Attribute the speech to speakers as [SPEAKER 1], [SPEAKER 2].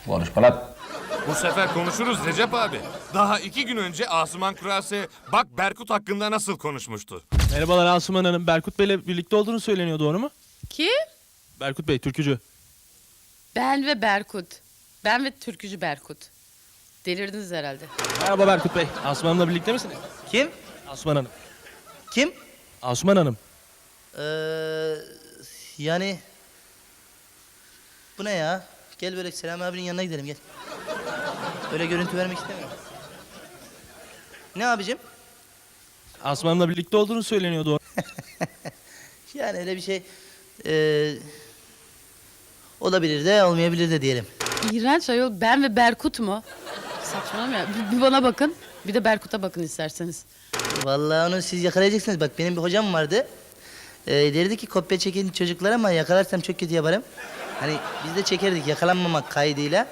[SPEAKER 1] Konuşma lan.
[SPEAKER 2] Bu sefer konuşuruz Recep abi. Daha 2 gün önce Asuman Kurase bak Berkut hakkında nasıl konuşmuştu.
[SPEAKER 3] Merhabalar Asuman Hanım. Berkut Bey'le birlikte olduğunu söyleniyor, doğru mu?
[SPEAKER 4] Kim?
[SPEAKER 3] Berkut Bey, türkücü.
[SPEAKER 4] Ben ve Berkut. Ben ve türkücü Berkut. Delirdiniz herhalde.
[SPEAKER 3] Merhaba Berkut Bey. Asuman Hanım'la birlikte misiniz?
[SPEAKER 5] Kim?
[SPEAKER 3] Asuman Hanım.
[SPEAKER 5] Kim?
[SPEAKER 3] Asuman Hanım.
[SPEAKER 5] Yani... Bu ne ya? Gel böyle Selami abinin yanına gidelim gel. Öyle görüntü vermek istemiyorum. Ne abicim?
[SPEAKER 3] Asuman Hanım'la birlikte olduğunu söyleniyor, doğru.
[SPEAKER 5] Yani öyle bir şey... olabilir de olmayabilir de diyelim.
[SPEAKER 4] İğrenç ayol, ben ve Berkut mu? Saçmalama ya. Bir bana bakın, bir de Berkut'a bakın isterseniz.
[SPEAKER 5] Vallahi onu siz yakalayacaksınız. Bak benim bir hocam vardı. Derdi ki kopya çekin çocuklar ama yakalarsam çok kötü yaparım. Hani biz de çekerdik yakalanmamak kaydıyla.